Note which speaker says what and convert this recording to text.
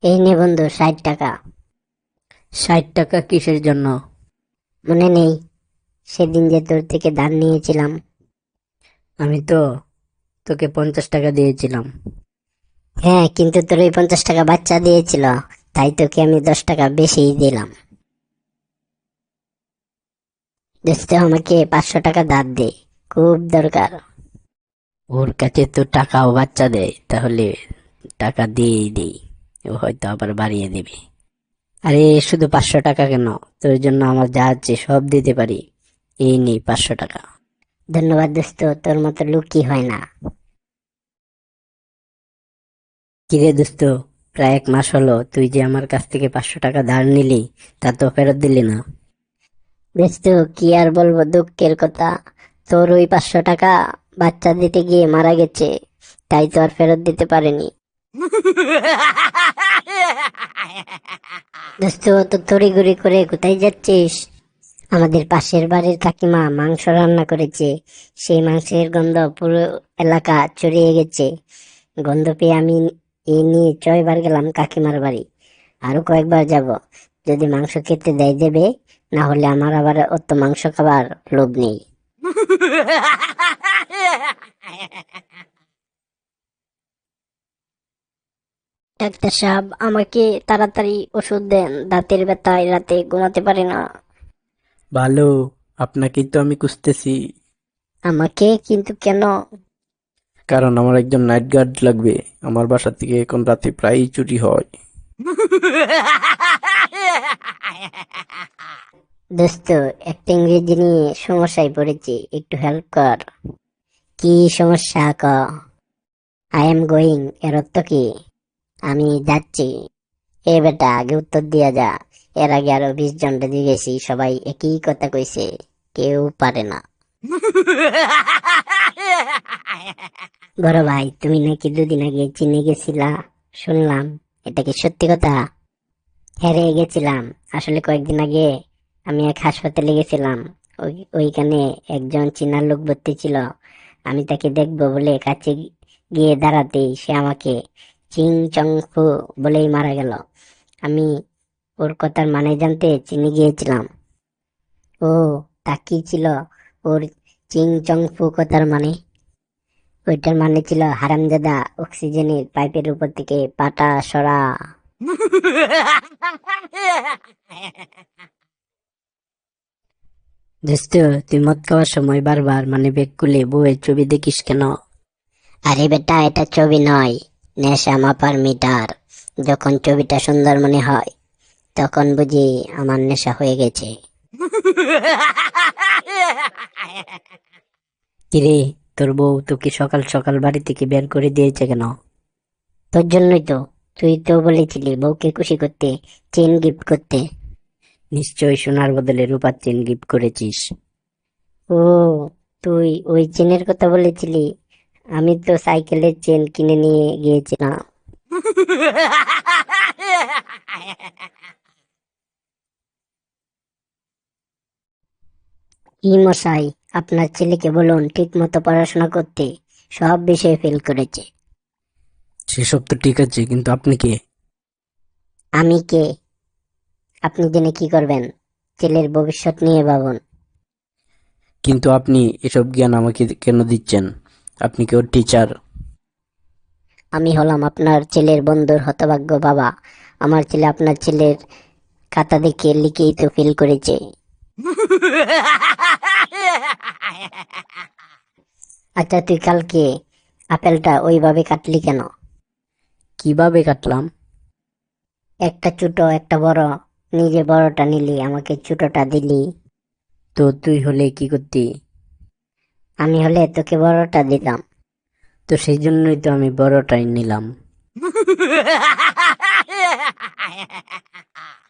Speaker 1: এই নে বন্ধু, 60 টাকা।
Speaker 2: 60 টাকা কিসের জন্য?
Speaker 1: মনে নেই সেদিন যে তোর থেকে ধার নিয়েছিলাম?
Speaker 2: আমি তো তোকে 50 টাকা দিয়েছিলাম।
Speaker 1: হ্যাঁ, কিন্তু তোর ওই 50 টাকা বাচ্চা দিয়েছিল, তাই তোকে আমি 10 টাকা বেশিই দিলাম। দোস্ত, আমাকে 500 টাকা ধার দে, খুব দরকার।
Speaker 2: ওর কাছে তো টাকাও বাচ্চা দেয়, তাহলে টাকা দিয়েই দেই। ও হয়তো আবার বাড়িয়ে দেবে। আরে শুধু 500 টাকা কেন, তোর জন্য আমার যা আছে সব দিতে পারি। এই নেই 500 টাকা।
Speaker 1: ধন্যবাদ দোস্ত, তোর মতো লুকি হয় না।
Speaker 2: কিরে দোস্ত, প্রায় 1 মাস হলো তুই যে আমার কাছ থেকে 500 টাকা ধার নিলি, তা তো ফেরত দিলি না।
Speaker 1: দোস্ত, কি আর বলবো দুঃখের কথা। তোর ওই 500 টাকা বাচ্চা দিতে গিয়ে মারা গেছে, তাই তো আর ফেরত দিতে পারেনি। দোস্ত, তো তড়িঘড়ি করে কোথায় যাচ্ছিস? আমাদের পাশের বাড়ির কাকিমা মাংস রান্না করেছে, সেই মাংসের গন্ধ পুরো এলাকা ছড়িয়ে গেছে। গন্ধ পেয়ে আমি এই নিয়ে 6বার গেলাম কাকিমার বাড়ি, আরো কয়েকবার যাব। যদি মাংস খেতে দেয় দেবে, না হলে আমার আবার অত মাংস খাবার লোভ নেই। ডাক্তার সাহেব, আমাকে তাড়াতাড়ি ওষুধ দেন, দাঁতের ব্যথায় রাতে ঘুমাতে পারি না।
Speaker 2: ভালো, আপনাকেই তো আমি খুঁজতেছি।
Speaker 1: আমাকে? কিন্তু কেন?
Speaker 2: কারণ আমার একজন নাইট গার্ড লাগবে। আমার বাসা থেকে এখন রাতে প্রায়ই চুরি হয়।
Speaker 1: দোস্ত, একটা ইংরেজি নিয়ে সমস্যায় পড়েছি, একটু হেল্প কর। কি সমস্যা ক? আই এম গোয়িং এর অর্থ কি? আমি যাচ্ছি। এ বেটা, আগে উত্তর দিয়া যা। এর আগে আরো 20 জনকে জিজ্ঞেসি, সবাই একই কথা কইছে, কেউ পারে না। বড় ভাই, তুমি নাকি 2 দিন আগে চীনে গেছিলা, শুনলাম। এটা কি সত্যি কথা? হেরে গেছিলাম। আসলে কয়েকদিন আগে আমি এক হাসপাতালে গেছিলাম। ওইখানে একজন চীনা লোক ভর্তি ছিল। আমি তাকে দেখবো বলে কাছে গিয়ে দাঁড়াতেই সে আমাকে চিং চং ফু বলেই মারা গেল। আমি ওর কথার মানে জানতে চীনে গিয়েছিলাম। ও, তা কি ছিল ওর চিং চং ফু কথার মানে? ওইটার মানে ছিল, হারামজাদা, অক্সিজেনের পাইপের উপর থেকে পাটা সরা।
Speaker 2: দোস্ত, তুই মদ খাওয়ার সময় বারবার মানে ব্যাগ খুলে বউয়ের ছবি দেখিস কেন?
Speaker 1: আরে বেটা, এটা ছবি নয়, নেশা মাপার মিটার। যখন ছবিটা সুন্দর মনে হয়, তখন বুঝি আমার নেশা হয়ে গেছে।
Speaker 2: কিরে, তোর বউ তোকে সকাল সকাল বাড়ি থেকে বের করে দিয়েছে কেন?
Speaker 1: তোর জন্যই তো। তুই তো বলেছিলি বউকে খুশি করতে চেন গিফট করতে।
Speaker 2: নিশ্চয়ই সোনার বদলে রূপার চেন গিফট করেছিস।
Speaker 1: ও, তুই ওই চেনের কথা বলেছিলি। আমি তো সাইকেলের চেন কিনে নিয়ে গিয়েছিলাম। কি মশাই, আপনার ছেলেকে বলুন ঠিক মতো পড়াশোনা করতে, সব বিষয়ে ফেল করেছে।
Speaker 2: সেসব তো ঠিক আছে, কিন্তু আপনি কে?
Speaker 1: আমি কে? আপনি জেনে কি করবেন? ছেলের ভবিষ্যৎ নিয়ে ভাবুন।
Speaker 2: কিন্তু আপনি এসব জ্ঞান আমাকে কেন দিচ্ছেন? আপনি কেউ টিচার?
Speaker 1: আমি হলাম আপনার ছেলের বন্ধুর হতভাগ্য বাবা। আমার ছেলে আপনার ছেলের খাতা দেখে লিখেই তো ফেল করেছে। আচ্ছা, তুই কালকে আপেলটা ওইভাবে কাটলি কেন?
Speaker 2: কিভাবে কাটলাম?
Speaker 1: একটা ছোট একটা বড়, নিজে বড়টা নিলি, আমাকে ছোটটা দিলি।
Speaker 2: তো তুই হলে কি করতি?
Speaker 1: আমি হলে তোকে বড়টা দিতাম।
Speaker 2: তো সেই জন্যই তো আমি বড়টাই নিলাম।